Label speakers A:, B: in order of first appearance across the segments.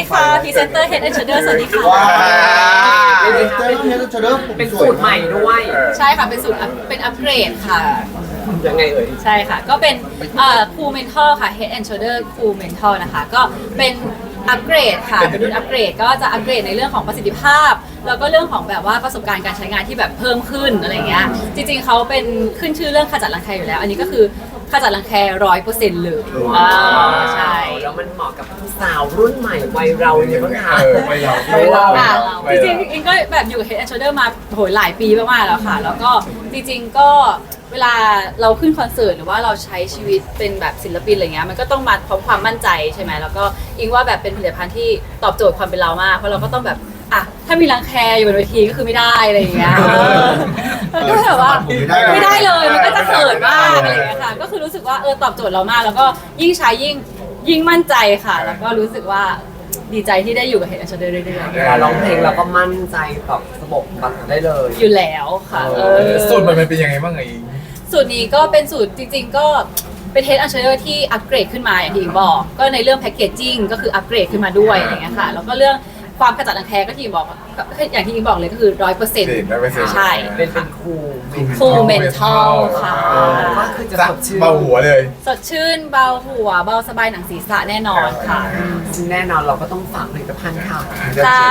A: ค่ะพรีเซนเตอร์ Head and Shoulder สวัสดีค่ะ
B: ว้าว
C: เป็นเจ้าเนี้ยจะเริ่ม
B: เป็นสูตรใหม่ด้วย
A: ใช่ค่ะเป็นสูตรเป็นอัปเกรดค่ะ
B: ยังไงเอ่ย
A: ใช่ค่ะ ก็เป็นCool Mental ค่ะ Head and Shoulder Cool Mental นะคะ ก็เป็นอัปเกรดค่ะเป็นรุ่นอัปเกรดก็จะอัปเกรดในเรื่องของประสิทธิภาพ แล้วก็เรื่องของแบบว่าประสบการณ์การใช้งานที่แบบเพิ่มขึ้นอะไรเงี้ยจริงๆเขาเป็นขึ้นชื่อเรื่องขจัดรังแคอยู่แล้ว อันนี้ก็คือขจัดรังแค100%เลยใช่
B: แล้วมันเหมาะกับสาวรุ่นใหม่วัยเราเนี่ยบ้างคะ
D: วัยเรา
B: วัยเรา
A: ค่ะจริงๆอิงก็แบบอยู่กับ Head and Shoulder มาโหยหลายปีมากๆแล้วค่ะ แล้วก็จริงๆก็เวลาเราขึ้นคอนเสิร์ตหรือว่าเราใช้ชีวิตเป็นแบบศิลปินอะไรเงี้ยมันก็ต้องมาพร้อมความมั่นใจใช่ไหมแล้วก็อิงว่าแบบเป็นผลิตภัณฑ์ที่ตอบโจทย์ความเป็นเรามากเพราะเราก็ต้องแบบอ่ะถ้ามีรังแคอยู่บนเวทีก็คือไม่ได้อะไรอย่างเงี้ยมันก็แบบว่าไม่ได้เลยมันก็จะเขินมากอะไรอย่างเงี้ยค่ะก็คือรู้สึกว่าตอบโจทย์เรามากแล้วก็ยิ่งใช้ยิ่งมั่นใจค่ะ แล้วก็รู้สึกว่าดีใจที่ได้อยู่กับ Head and Shoulder เรื่อยๆ
B: เวลาร้องเพลงเราก็มั่นใจแบบสะบกบัดได้เลย
A: อยู่แล้วค่ะ
D: สูตรมันเป็นยังไงบ้างไง
A: สูตรนี้ก็เป็นสูตรจริงๆก็เป็น Head and Shoulder ที่อัปเกรดขึ้นมาอย่างที่อิงบอก ก็ในเรื่องแพคเกจจิ้งก็คืออัปเกรดขึ้นมาด้วยอะไรเงี้ยค่ะแล้วก็เรื่องความขจัดรังแคก็ที่อิงบอกอย่างที่อิงบอกเลยก็คือ100%ใช่
B: เป็นครู
A: Cool Mental ค่ะ
B: ก็คือจะสดชื่น
D: เบาหัวเลย
A: สดชื่นเบาหัวเบาสบายหนังศีรษะแน่นอนค่ะ
B: ซึ่งแน่นอนเราก็ต้องฝากผลิตภัณฑ์ค่ะ
A: จ้า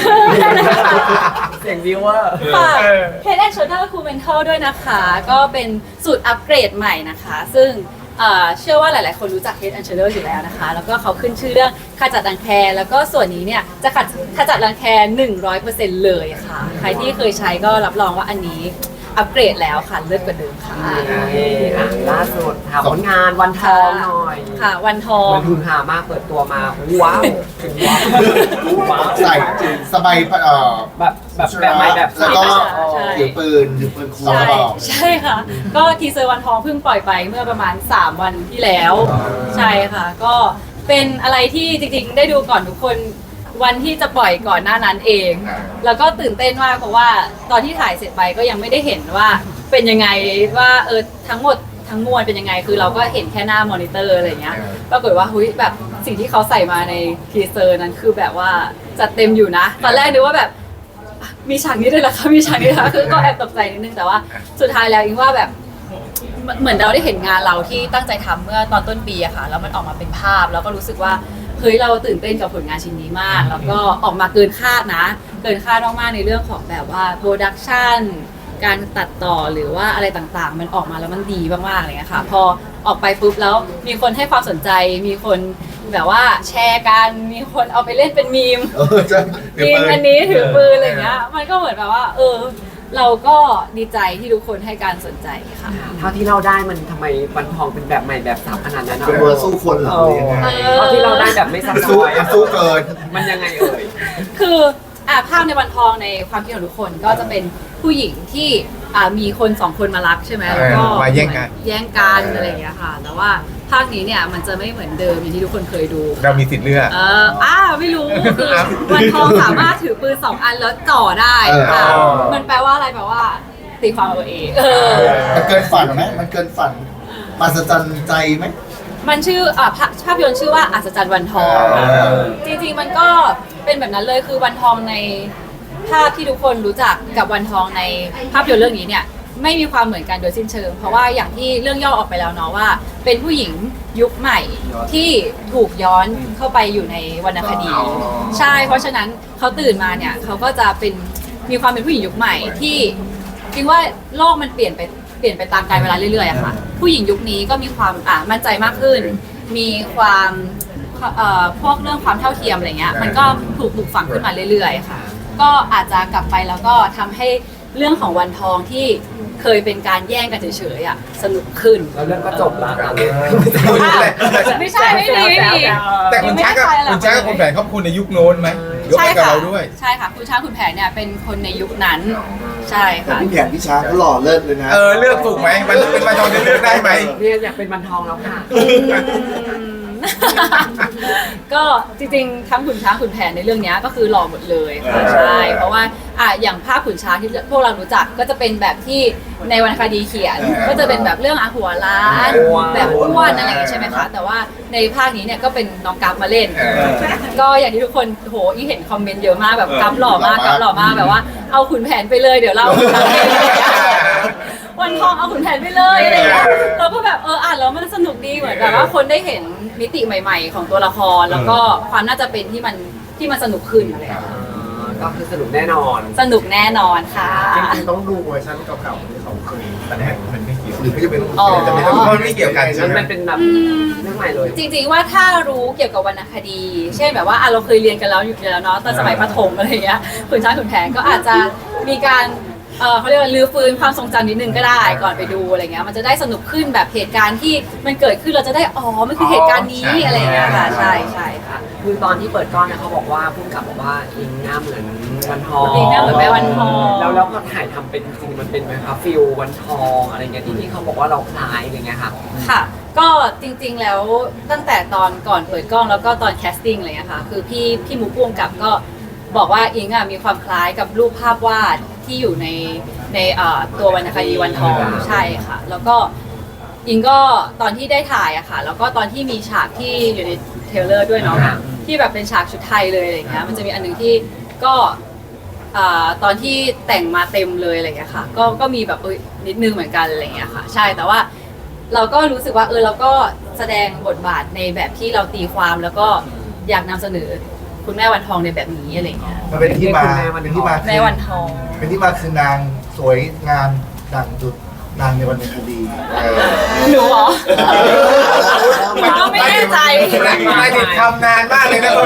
B: เสียงวิวเวอร์
A: ฝาก Head and Shoulder Cool Mental ด้วยนะคะ ก็เป็นสูตรอัปเกรดใหม่นะคะ ซึ่งเชื่อว่าหลายๆ คนรู้จัก Head and Shoulder อยู่แล้วนะคะ แล้วก็เขาขึ้นชื่อเรื่องขจัดรังแค แล้วก็ส่วนนี้เนี่ยจะขจัดรังแค 100% เลยค่ะ ใครที่เคยใช้ก็รับรองว่าอันนี้อัปเกรดแล้วค่ะ เลิศกว่าเดิมค่ะ
B: ล่าสุดถามผลงานวันทองหน่อย
A: ค่ะ วันทอง
B: มันฮือฮามากเปิดตัวมาว้าวว้าว
C: ใส่สบาย
B: แบบใหม่แบบ
C: แล้วก็
A: ใช่
C: ถือปืนคู
A: ใช่
C: บอก
A: ใช่ค่ะ ก็ทีเซอร์วันทองเพิ่งปล่อยไปเมื่อประมาณ 3 วันที่แล้ว ใช่ค่ะ ก็เป็นอะไรที่จริงๆ ได้ดูก่อนทุกคนวันที่จะปล่อยก่อนหน้านั้นเอง แล้วก็ตื่นเต้นมากเพราะว่าตอนที่ถ่ายเสร็จไปก็ยังไม่ได้เห็นว่าเป็นยังไงว่าทั้งหมดทั้งมวลเป็นยังไงคือเราก็เห็นแค่หน้ามอนิเตอร์อะไรเงี้ยปรากฏว่าหุ้ยแบบสิ่งที่เขาใส่มาในทีเซอร์นั้นคือแบบว่าจัดเต็มอยู่นะตอนแรกนึกว่าแบบมีฉากนี้ด้วยเหรอคะมีฉากนี้นะคะคือก็แอบตกใจนิดนึงแต่ว่าสุดท้ายแล้วอิงว่าแบบเหมือนเราได้เห็นงานเราที่ตั้งใจทำเมื่อตอนต้นปีอะค่ะแล้วมันออกมาเป็นภาพแล้วก็รู้สึกว่าเฮ้ยเราตื่นเต้นกับผลงานชิ้นนี้มาก แล้วก็ออกมาเกินคาดนะเกินคาดมากๆในเรื่องของแบบว่าโปรดักชันการตัดต่อหรือว่าอะไรต่างๆ มันออกมาแล้วมันดีมากๆอะไรเงี้ยค่ะพอออกไปปุ๊บแล้วมีคนให้ความสนใจมีคนแบบว่าแชร์กันมีคนเอาไปเล่นเป็นมีม
C: จะ
A: ยิงอันนี้ถือปืนอะไรเงี้ยมันก็เหมือนแบบว่าเราก็ดีใจที่ทุกคนให้การสนใจค่ะ
B: เท่าที่เราได้มันทำไมวันทองเป็นแบบใหม่แบบสับขนาดนั้น
C: เป็นเวอร์สู้คนเหรอหรือยังไง
B: เท่าที่เราได้แบบไม่ซับซ้
C: สู้
B: อน
C: สู้เกิน
B: มันยังไงเอ่ย
A: คือภาพในวันทองในความคิดของทุกคนก็จะเป็นผู้หญิงที่มีคนสองคนมารักใช่ไหมแล้วก็
D: มาแย่งกัน
A: แย่งกันอะไรอย่างเงี้ยค่ะ แต่ว่าภาคนี้เนี่ยมันจะไม่เหมือนเดิมอย่างที่ทุกคนเคยดู
D: เรามีสิทธิ์เลือก
A: ไม่รู้คือวันทองสามารถถือปืน2 อันแล้วจ่อได้ค่ะมันแปลว่าอะไรแปลว่าตีความเอาเอง
C: มันเกินฝันไหมมันเกินฝันมหัศจรรย์ใจไหม
A: มันชื่อภาพยนตร์ชื่อว่าอัศจรรย์วันทอง จริงๆมันก็เป็นแบบนั้นเลยคือวันทองในภาพที่ทุกคนรู้จักกับวันทองในภาพยนตร์เรื่องนี้เนี่ยไม่มีความเหมือนกันโดยสิ้นเชิง เพราะว่าอย่างที่เรื่องย่อออกไปแล้วเนาะว่า เป็นผู้หญิงยุคใหม่ที่ถูกย้อนเข้าไปอยู่ในวรรณคดี ใช่เพราะฉะนั้นเขาตื่นมาเนี่ยเขาก็จะมีความเป็นผู้หญิงยุคใหม่ที่จริงว่าโลกมันเปลี่ยนไปตามกาลเวลาเรื่อยๆอะค่ะผู้หญิงยุคนี้ก็มีความมั่นใจมากขึ้น มีความพวกเรื่องความเท่าเทียมอะไรเงี้ยมันก็ถูกปลูกฝังขึ้นมาเรื่อยๆค่ะก็อาจจะกลับไปแล้วก็ทำให้เรื่องของวันทองที่เคยเป็นการแย่งกันเฉยๆสนุกขึ้น
B: แล้วเรื่องก็จบแล้ว
A: ไม่ใช่ไม่มี
D: แต่คุณช้างกับคุณแผนเขาคุณในยุคโน้นไหมยก
A: ใช่
D: ให้กับ
A: ค่ะ
D: เราด้วย
A: ใช่ค่ะคุณช้างคุณแผนเนี่ยเป็นคนในยุคนั้นใช่
C: แต่
A: ค่ะ
C: พี่แผนพี่ช้างก็หล่อเลิศเลยนะ
D: เลือกถูกไหมมันเป็นวันทองที่เลือกได้ไหม
B: เนี่ยอยากเป็นวันทองแล้วค่ะ
A: ก็จริงๆทั้งขุนช้างขุนแผนในเรื่องนี้ก็คือหล่อหมดเลยค่ะใช่เพราะว่าอย่างภาพขุนช้างที่พวกเรารู้จักก็จะเป็นแบบที่ในวรรณคดีเขียนก็จะเป็นแบบเรื่องหัวล้านแบบอ้วนอะไรอย่างเงี้ยใช่ไหมคะแต่ว่าในภาคนี้เนี่ยก็เป็นน้องกัฟมาเล่น ก็อย่างที่ทุกคนโหอีเห็นคอมเมนต์เยอะมากแบบกัฟหล่อมากกัฟหล่อมากแบบว่าเอาขุนแผนไปเลยเดี๋ยวเราวันทองเอาขุนแผนไปเลยอะไรอย่างเงี้ยเราก็แบบอ่านแล้วมันสนุกดีเหมือนแบบว่าคนได้เห็นมิติใหม่ ๆ ของตัวละครแล้วก็ความน่าจะเป็นที่มันสนุกขึ้นอะไรอย่างเงี้ย
B: ก็คือสนุกแน่นอน
A: สนุกแน่นอนค่ะ
D: จริงๆต้องดูเวอร์ชันเก่าๆที่เขาเคยแสดงมันไม่เกี่ยว
C: หรือไม่จะเป็น
A: อ๋อ
D: จะไม่ต้องมันไม่เกี่ยวกันใช่ไหม
B: มันเป็นแบบเรื่องใหม่เลย
A: จริงๆว่าถ้ารู้เกี่ยวกับวรรณคดี เช่นแบบว่าเราเคยเรียนกันแล้วอยู่แล้วเนาะตอนสมัยประถมอะไรอย่างเงี้ยขุนช้างขุนแผนก็อาจจะมีการเขาเรียกว่ารื้อฟื้นความทรงจำนิดนึงก็ได้ก่อนไปดูอะไรเงี้ยมันจะได้สนุกขึ้นแบบเหตุการณ์ที่มันเกิดขึ้นเราจะได้มันคือเหตุการณ์นี้อะไรอย่างเงี้ยค่ะใช่ค่ะ
B: คือตอนที่เปิดกล้องเนี่ยเขาบอกว่าพุ่งกับบอกว่าอิงหน้าเหมือนวันทอง
A: อิงหน้าเหมือนแม่วันทอง
B: แล้วพอถ่ายทำเป็นจริงๆมันเป็นไหมคะฟิลวันทองอะไรเงี้ยที่เขาบอกว่าเราคล้ายอะไรเงี้ยค่ะ
A: ค่ะก็จริงๆแล้วตั้งแต่ตอนก่อนเปิดกล้องแล้วก็ตอนแคสติ้งอะไรเงี้ยค่ะคือพี่หมูพ่วงกับก็บอกว่าอิงมีความคล้ายกับรูปภาพวาดที่อยู่ในตัววรรณคดีวันทองใช่ค่ะแล้วก็อิงก็ตอนที่ได้ถ่ายอะค่ะแล้วก็ตอนที่มีฉากที่อยู่ในเทรลเลอร์ด้วยเนาะที่แบบเป็นฉากชุดไทยเลยอะไรเงี้ยมันจะมีอันนึงที่ก็ตอนที่แต่งมาเต็มเลยอะไรเงี้ยค่ะก็มีแบบนิดนึงเหมือนกันอะไรเงี้ยค่ะใช่แต่ว่าเราก็รู้สึกว่าเราก็แสดงบทบาทในแบบที่เราตีความแล้วก็อยากนำเสนอคุณแม่วันทองในแบบนี้อะไรเงี้ย
C: มันเป็นที่มาเป็นที่มา
A: แม่วันทอง
C: เป็นที่มาคือนางสวยงามดังดุจนางในวรรณคดี
A: หนูเหรอ มันก็ไม่แน่ใจ
D: ไม่ติดทำนานมากเลยนะ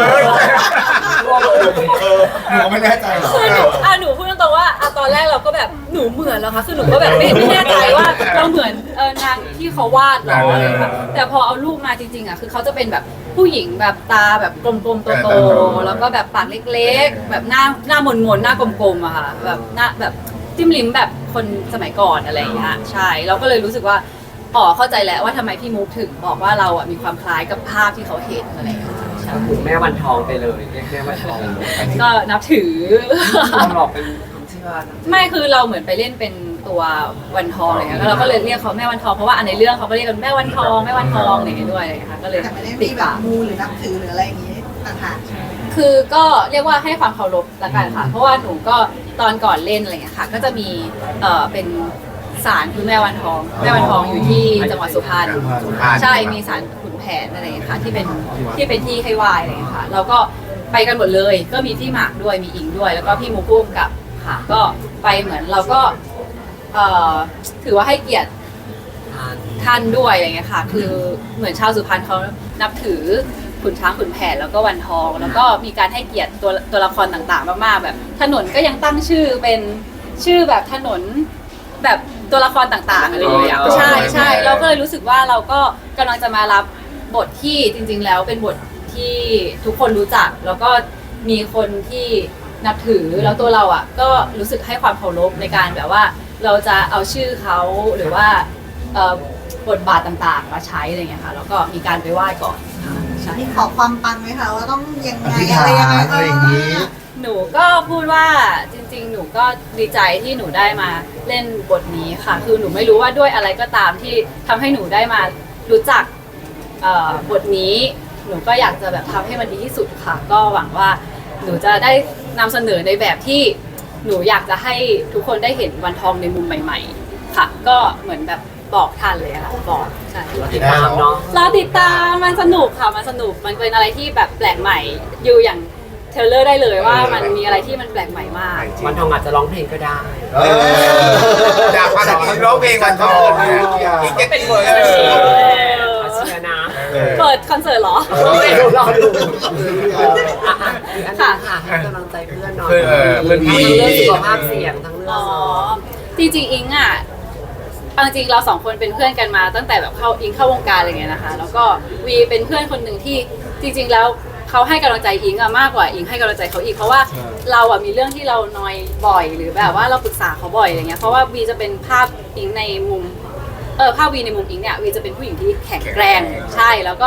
C: หนูไม่แน่ใจหรอ
A: คือหนูพูดตรงๆว่าตอนแรกเราก็แบบหนูเหมือนเหรอคะคือหนูก็แบบไม่แน่ใจว่าเราเหมือนนางที่เขาวาดหรออะไรแบบแต่พอเอารูปมาจริงๆคือเขาจะเป็นแบบผู้หญิงแบบตาแบบกลมๆโตๆแล้วก็แบบปากเล็กๆแบบหน้ามนๆหน้ากลมๆอะค่ะแบบหน้าแบบจิ้มลิ้มแบบคนสมัยก่อนอะไรอย่างเงี้ยใช่เราก็เลยรู้สึกว่าเข้าใจแล้วว่าทำไมพี่มุกถึงบอกว่าเรามีความคล้ายกับภาพที่เขาเห็นอะไรอย่างเงี้ยใช่
B: ก็คือแม่วันทองไปเลยเรียกแม่วันทอง
A: ก็นับถือ
B: เราหลอกเป็นความเชื่อนะ
A: ไม่คือเราเหมือนไปเล่นเป็นตัววันทองอะไรเงี้ยเราก็เลยเรียกเขาแม่วันทองเพราะว่าในเรื่องเขาก็เรียกกันแม่วันทองอะไรอย่างเงี้ยด้วยอะไรเงี้ยค่ะก็เลย
E: แต่ไม่ได้
A: ติ
E: มี
A: ด
E: แบบ
A: ปาก
E: มูหรือนับถือหรืออะไรอย่างงี้ต่างๆใช่ไหม
A: คือก็เรียกว่าให้ความเคารพละกันค่ะ เพราะว่าหนูก็ตอนก่อนเล่นอะไรเงี้ยค่ะ ก็จะมีเป็นศาลคือแม่วันทองแม่วันทองอยู่ที่จังหวัดสุพรรณใช่มีศาลขุนแผนอะไรเงี้ยค่ะที่เป็นที่ให้ไหว้อะไรเงี้ยค่ะเราก็ไปกันหมดเลยก็มีพี่หมากด้วยมีอิงด้วย แล้วก็พี่มูกุ้มกับค่ะก็ไปเหมือนเราก็ถือว่าให้เกียรติท่านด้วยอะไรเงี้ยค่ะคือเหมือนชาวสุพรรณเขานับถือขุนช้างขุนแผนแล้วก็วันทอง แล้วก็มีการให้เกียรติตัวละครต่างๆมากๆแบบถนนก็ยังตั้งชื่อเป็นชื่อแบบถนนแบบตัวละครต่างๆอะไรอย่างเงี้ยใช่เราก็เลยรู้สึกว่าเราก็กำลังจะมารับบทที่จริงๆแล้วเป็นบทที่ทุกคนรู้จักแล้วก็มีคนที่นับถือแล้วตัวเราก็รู้สึกให้ความเคารพในการแบบว่าเราจะเอาชื่อเขาหรือว่าบทบาทต่างๆมาใช้อะไรเงี้ยค่ะแล้วก็มีการไปไหว้ก่อนใช่
E: มีขอความปังไหมคะว่าต้องยัง
C: อ
E: ไง
C: ธิษ
E: อะไร
C: ฐา
E: ยังไง
C: นอะไรอย่างนี้
A: หนูก็พูดว่าจริงๆ หนูก็ดีใจที่หนูได้มาเล่นบทนี้ค่ะ คือหนูไม่รู้ว่าด้วยอะไรก็ตามที่ทำให้หนูได้มารู้จักบทนี้ หนูก็อยากจะแบบทำให้มันดีที่สุดค่ะ ก็หวังว่าหนูจะได้นำเสนอในแบบที่หนูอยากจะให้ทุกคนได้เห็นวันทองในมุมใหม่ ๆ ค่ะ ก็เหมือนแบบบอกทันเลยค่ะบอกใช่
B: ติดตามเนาะ
A: เราติดตามมันสนุกค่ะมันสนุกมันเป็นอะไรที่แบบแปลกใหม่อยู่อย่างเทรลเลอร์ได้เลยว่ามันมีอะไรที่มันแปลกใหม่มาก
B: วันทองอาจจะร้องเพลงก็ได้
D: อยากมาจากทีมร้องเพลงวันทองอีกจะเป็นเวอร์
B: ขอเชียร์นะ
A: เปิดคอนเสิร์ตเหรอ
B: รอดูอีกอันนึงค่ะให้กำลังใจเพื่อนหน่อยทั้งเรื่องสุขภาพเสียงทั้งเรื่อง
A: อ๋อจริงๆอิงเอาจริงเราสองคนเป็นเพื่อนกันมาตั้งแต่แบบอิงเข้าวงการอะไรเงี้ยนะคะแล้วก็วีเป็นเพื่อนคนหนึ่งที่จริงๆแล้วเขาให้กำลังใจอิงมากกว่าอิงให้กำลังใจเขาอีกเพราะว่าเรามีเรื่องที่เรานอยบ่อยหรือแบบว่าเราปรึกษาเขาบ่อยอะไรเงี้ยเพราะว่าวีจะเป็นภาพอิงในมุมภาพวีในมุมอิงเนี่ยวีจะเป็นผู้หญิงที่แข็งแกร่งใช่แล้วก็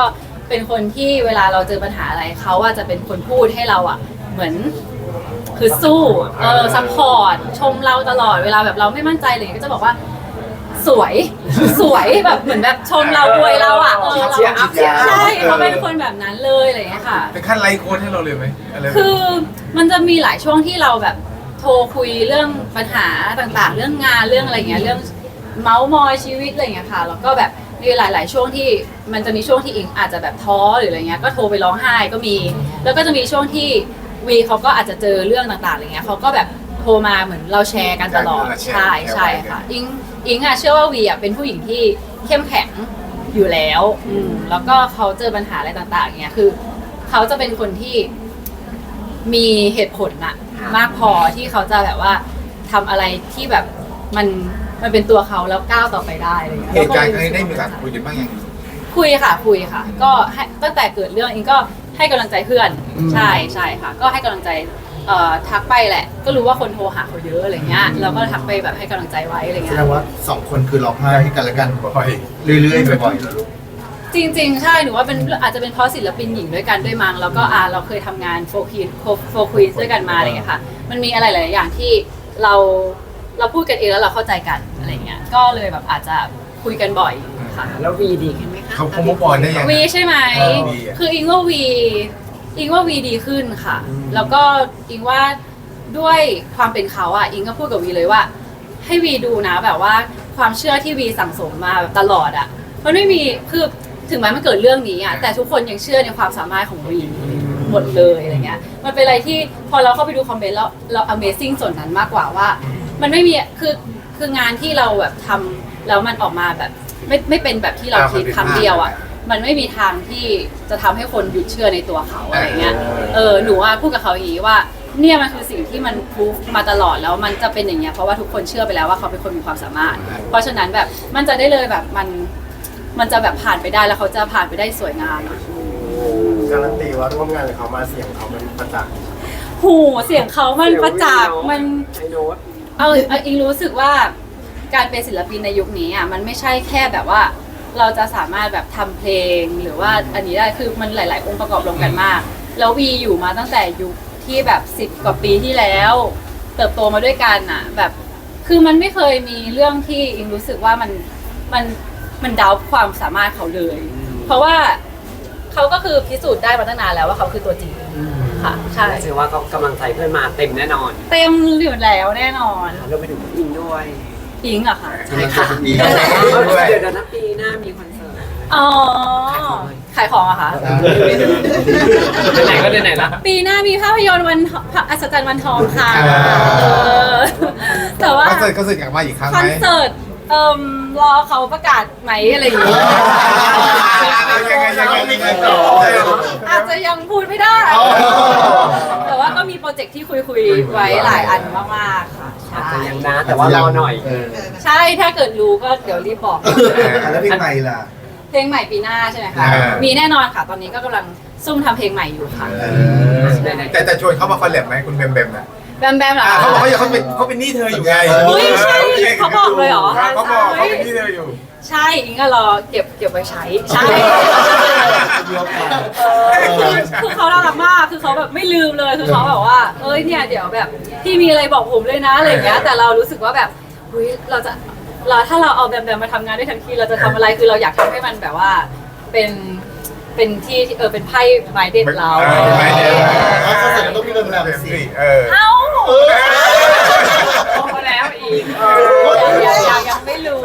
A: เป็นคนที่เวลาเราเจอปัญหาอะไรเขาอะจะเป็นคนพูดให้เราอะเหมือนคือสู้ซัพพอร์ตชมเราตลอดเวลาแบบเราไม่มั่นใจเลยก็จะบอกว่าสวยสวยแบบเหมือนแบบชมเราอวยเราอะเรา
B: เชียร์อัพ
A: ใช่เขาเป็นคนแบบนั้นเลยอะไรอย่างเงี้ยค่ะ
D: เป็นขั้นไลฟ์โค้ดให้เราเลยไหมอะไรแบบ
A: คือมันจะมีหลายช่วงที่เราแบบโทรคุยเรื่องปัญหาต่างๆ เรื่องงานเรื่องอะไรเงี้ยเรื่องเมาส์มอยชีวิตอะไรเงี้ยค่ะแล้วก็แบบมีหลาย ๆ ช่วงที่มันจะมีช่วงที่อิงอาจจะแบบท้อหรืออะไรเงี้ยก็โทรไปร้องไห้ก็มี แล้วก็จะมีช่วงที่วีเขาก็อาจจะเจอเรื่องต่างๆอะไรเงี้ยเขาก็แบบโทรมาเหมือนเราแชร์กันตลอดใช่ใช่ค่ะอิงอะเชื่อว่าวีอะเป็นผู้หญิงที่เข้มแข็งอยู่แล้วแล้วก็เขาเจอปัญหาอะไรต่างๆเงี้ยคือเขาจะเป็นคนที่มีเหตุผลอะมากพอที่เขาจะแบบว่าทำอะไรที่แบบมันเป็นตัวเขาแล้วก้าวต่อไปได้อะไรอย่างเงี้ย
D: เหตุการณ์ครั้งนี้ได้มีโอกาสคุยกันบ้างยัง
A: คุยค่ะ ก็ให้ตั้งแต่เกิดเรื่องอิงก็ให้กำลังใจเพื่อนใช่ค่ะ ก็ให้กำลังใจทักไปแหละ ก็รู้ว่าคนโทรหาเขาเยอะอะไรเงี้ยเราก็ทักไปแบบให้กำลังใจไว้อะไร
C: แส
A: เงี้
C: ด
A: ย
C: งว่า2 คนคือร้องไห้ให้กันและกัน
D: บ่อย
C: เรื่อยๆบ่อยๆแล้วลูก
A: จริงๆ ใช่หนูว่าเป็นอาจจะเป็นเพราะศิลปินหญิงด้วยกันด้วยมั้งแล้วก็เราเคยทำงานโฟร์ควีนด้วยกันมาอะไรเงี้ยค่ะมันมีอะไรหลายๆอย่างที่เราพูดกันเองแล้วเราเข้าใจกันอะไรเงี้ยก็เลยแบบอาจจะคุยกันบ่อยค่ะ
B: แล้ววีดีขึ้นไหมคะ
D: เขามุกออนได้ยัง
A: วีใช่ไหม
D: วีอะ
A: คืออิงว่าวีดีขึ้นค่ะ แล้วก็อิงว่าด้วยความเป็นเขาอ่ะอิงก็พูดกับวีเลยว่า ให้วีดูนะแบบว่าความเชื่อที่วีสั่งสมมาแบบตลอดอ่ะมันไม่มีคือถึงแม้มันเกิดเรื่องนี้อ่ะแต่ทุกคนยังเชื่อในความสามารถของวีหมดเลยอะไรเงี้ยมันเป็นอะไรที่พอเราเข้าไปดูคอมเมนต์แล้วเรา Amazing ส่วนนั้นมากกว่าว่า มันไม่มีคืองานที่เราแบบทำแล้วมันออกมาแบบไม่เป็นแบบที่เราคิดคำเดียวอ่ะมันไม่มีทางที่จะทำให้คนหยุดเชื่อในตัวเขาอะไรเงี้ยหนูว่าพูดกับเขาอย่างนี้ว่าเนี่ยมันคือสิ่งที่มันพูดมาตลอดแล้วมันจะเป็นอย่างเงี้ยเพราะว่าทุกคนเชื่อไปแล้วว่าเขาเป็นคนมีความสามารถ เพราะฉะนั้นแบบมันจะได้เลยแบบมันจะแบบผ่านไปได้แล้วเขาจะผ่านไปได้สวยงามอะ
F: การันตีว่าร่วมงานกับเขามาเสียงเขามันประจักษ์
A: หูเสียงเขามันประจักษ์มัน
B: ไอโน้ต
A: อิงรู้สึกว่าการเป็นศิลปินในยุคนี้อ่ะมันไม่ใช่แค่แบบว่าเราจะสามารถแบบทำเพลงหรือว่าอันนี้ได้คือมันหลาย ๆ องค์ประกอบรวมกันมากแล้ววีอยู่มาตั้งแต่ยุคที่แบบ10 กว่าปีที่แล้วเติบโตมาด้วยกันอ่ะแบบคือมันไม่เคยมีเรื่องที่อิงรู้สึกว่ามันดาวความสามารถเขาเลย เพราะว่าเขาก็คือพิสูจน์ได้มาตั้งนานแล้วว่าเขาคือตัวจริงค่ะใช่
B: เชื่อว่าก็กำลังใจเพื่อนมาเต็มแน่นอน
A: เต็มอยู่แล้วแน่นอน
B: เราไปถึงอินด้วย
A: อิงเหรอคะ
C: ใช่ค่ะ
B: เดี๋ยวนะปีหน้ามีคอนเสิร์ต
A: อ๋อขายของอะคะ
B: ไหนก็ไหนละ
A: ปีหน้ามีภาพยนตร์วันอัศจรรย์วันทองค่ะแต่ว่า
D: คอนเสิร์ตกลับมาอีกครั้ง
A: ค
D: ไห
A: อ
D: ม
A: นเสิร์ตรอเขาประกาศไหมอะไรอย่างงี้
D: ยังไง
A: อาจจะยังพูดไม่ได้ แต่ว่าก็มีโปรเจกต์ที่คุยไว้หลายอันมากๆค่ะ
B: อาจ
A: ใช่
B: จะยังนะแต่ว่ารอหน่อย
A: ใช่ถ้าเกิดรู้ก็เดี๋ยวรีบบอก
C: แล้วเพลงใหม่ล่ะ
A: เพลงใหม่ปีหน้าใช่ไหมคะมีแน่นอนค่ะ ตอนนี้ก็กำลังซุ่มทำเพลงใหม่อยู่ค่ะ
D: แต่จะชวนเขามาคอลแลบไหมคุณแบมนะ
A: แบมเหรอ
D: เขาบอกว่าเขาเป็นหนี้เธออยู่ไง
A: เฮ้ยใช่เขาบอกเลยเหรอ
D: เขาบอกเขาเป็นหนี้เธออยู่
A: ใช่อิงก็รอเก็บไว้ใช้ใช่คือเขาน่ารักมากคือเขาแบบไม่ลืมเลยคือเขาแบบว่าเอ้ยเนี่ยเดี๋ยวแบบพี่มีอะไรบอกผมเลยนะอะไรอย่างเงี้ยแต่เรารู้สึกว่าแบบเฮ้ยถ้าเราเอาแบมมาทำงานด้วยทันทีเราจะทำอะไรคือเราอยากทำให้มันแบบว่าเป็นที่เป็นไพ่ไม้เด็ดเรา
D: ไม่เด็ด
C: เขาเสร็จต้องมีเรื่องราวสิ
A: เอ้า
B: พอแล้วอีก
A: ยังไม่รู้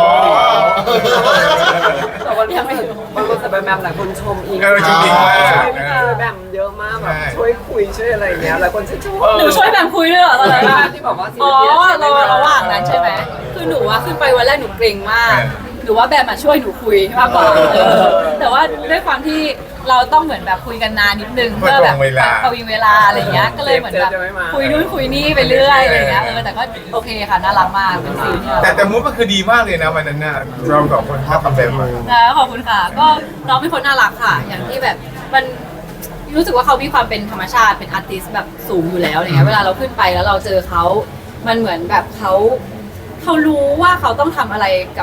B: แต่วันนี้บางคนแต่แบบหลายคนชมอีก
D: จริงๆว่า
B: ช่วยพี่เจอแบบเยอะมากแบบช่วยคุยช่วยอะไรอย่างเงี้ยหลายคนชื่นชม
A: หนูช่วยแบมคุยด้วยเหรอตอนนั้น
B: ที่บอกว่า
A: อ๋อระหว่างนั้นใช่ไหมคือหนูว่าขึ้นไปวันแรกหนูเกรงมากหนูว่าแบมมาช่วยหนูคุยมากกว่าแต่ว่าด้วยความที่เราต้องเหมือนแบบคุยกันนานนิดนึงเพื่อแบบประวิงเวลาอะไรเงี้ยก็เลยเหมือนแบบคุยนู่นคุยนี่ไปเรื่อยอะไรเงี้ยแต่ก็โอเคค่ะน่ารักมากเป็นซีนที่
D: แต่มูฟมันคือดีมากเลยนะวันนั้นน่ะเราสองคนชอบทำแบบมา
A: ขอบคุณค่ะก็น้องเป็นคนน่ารักค่ะ อย่างที่แบบมันรู้สึกว่าเขามีความเป็นธรรมชาติเป็นอาร์ติสต์แบบสูงอยู่แล้วอะไรเงี้ยเวลาเราขึ้นไปแล้วเราเจอเขามันเหมือนแบบเขารู้ว่าเขาต้องทำอะไรกับ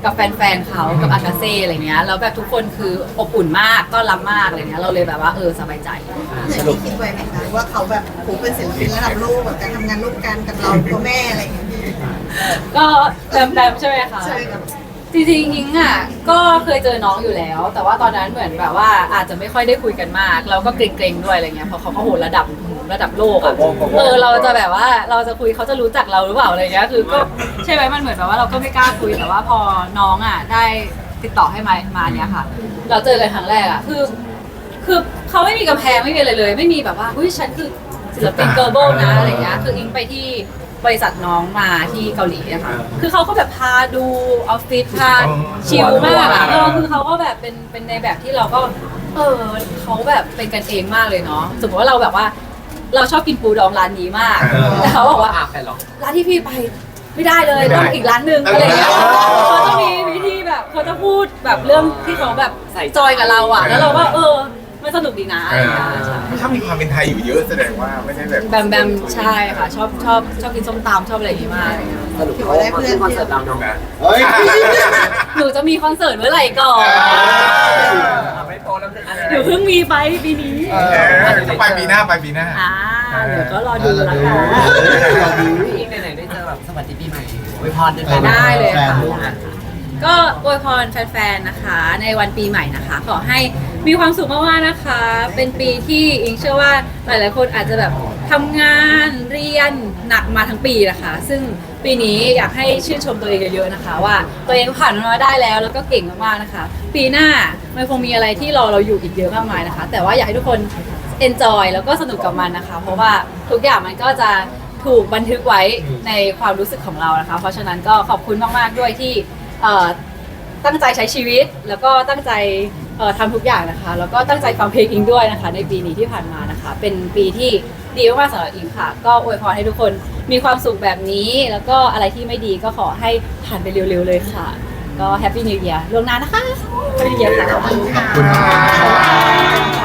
A: กับแฟนๆเขากับอากาเซ่อะไรเงี้ยแล้วแบบทุกคนคืออบอุ่นมากต้อนรับมากอะไรเงี้ยเราเลยแบบว่าสบายใจ
E: อย่างที่คิดไว้ไหมคะว่าเขาแบบโหเป็นศิลปินระดับโลกแบบการทำงานร่วมกันกับเราตัวแม่อะไรอย่างเงี้ยพี่
A: ก็แบมใช่ไหมคะ
E: ใช่ครับ
A: จริงๆยิงอ่ะก็เคยเจอน้องอยู่แล้ว แต่ว่าตอนนั้นเหมือนแบบว่าอาจจะไม่ค่อยได้คุยกันมากเราก็เกรงๆด้วยอะไรเงี้ยเพราะเขาก็โหระดับโลกอ่ะเราจะแบบว่าเราจะคุยเขาจะรู้จักเราหรือเปล่าอะไรเงี้ยคือก็ใช่ไหมมันเหมือนแบบว่าเราก็ไม่กล้าคุยแต่ว่าพอน้องอ่ะได้ติดต่อให้มาเนี้ยค่ะ เราเจอกันครั้งแรกอ่ะคือเขาไม่มีกำแพงไม่มีอะไรเลย ไม่มีแบบว่าอุ้ยฉันคือศิลปินเกิร์ลโบนะอะไรเงี้ยคืออิงไปที่บริษัทน้องมาที่เกาหลีอะค่ะคือเขาก็แบบพาดูออฟฟิศพาชิลมากอะคือเขาก็แบบเป็นในแบบที่เราก็เขาแบบเป็นกันเองมากเลยเนาะสมมติว่าเราแบบว่าเราชอบกินปูดองร้านนี้มากแต่เขาบอกว่า
B: ไปหรอ
A: ร้านที่พี่ไปไม่ได้เลยต้องอีกร้านหนึ่งอะไรเงี้ยเขาจะมีวิธีแบบเขาจะพูดแบบเรื่องที่เขาแบบจอยกับเราอะแล้วเราก็มันสนุกดีนะอะไรเงี้ยใช่
D: ถ้ามีความเป็นไทยอยู่เยอะแสดงว่าไม่ใช่แบบ
A: แบมใช่ค่ะชอบกินส้มตำชอบอะไรอย่างงี้มากเลยค่ะ
B: สรุปเขามาขึ้นคอนเสิร์ตเราเนาะ
C: เฮ้ย
A: หนูจะมีคอนเสิร์ตเมื่อไหร่ก่อน
B: ไม่โตแล้ว
A: หนูเพิ่งมีไปปีนี้
D: ไปปีหน้า
A: เดี๋ยวก็รอดูแล้วกัน
B: พี่ไหนๆได้เจอแบบสวัสดีปีใหม่อวยพรเดือน
A: ได้เลยค่ะ
C: แฟนลูก
A: ก็อวยพรแฟนๆนะคะ ในวันปีใหม่นะคะ ขอให้มีความสุขมากๆนะคะ เป็นปีที่อิงเชื่อว่าหลายๆคนอาจจะแบบทำงานเรียนหนักมาทั้งปีนะคะ ซึ่งปีนี้อยากให้ชื่นชมตัวเองเยอะๆนะคะ ว่าตัวเองผ่านมันมาได้แล้วก็เก่งมากๆนะคะ ปีหน้ามันคงมีอะไรที่รอเราอยู่อีกเยอะมากมายนะคะ แต่ว่าอยากให้ทุกคน enjoy แล้วก็สนุกกับมันนะคะ เพราะว่าทุกอย่างมันก็จะถูกบันทึกไว้ในความรู้สึกของเรานะคะ เพราะฉะนั้นก็ขอบคุณมากๆด้วยที่ตั้งใจใช้ชีวิตแล้วก็ตั้งใจทำทุกอย่างนะคะ แล้วก็ตั้งใจฟังเพลงอิงด้วยนะคะ ในปีนี้ที่ผ่านมานะคะ เป็นปีที่ดีมากๆสำหรับอิงค่ะ ก็อวยพรให้ทุกคนมีความสุขแบบนี้ แล้วก็อะไรที่ไม่ดีก็ขอให้ผ่านไปเร็วๆเลยค่ะ ก็แฮปปี้นิว e ียร์ล่วงหน้านะคะแฮปปี้นิว e ียร์ค่ะ
C: ขอบคุณค่ะ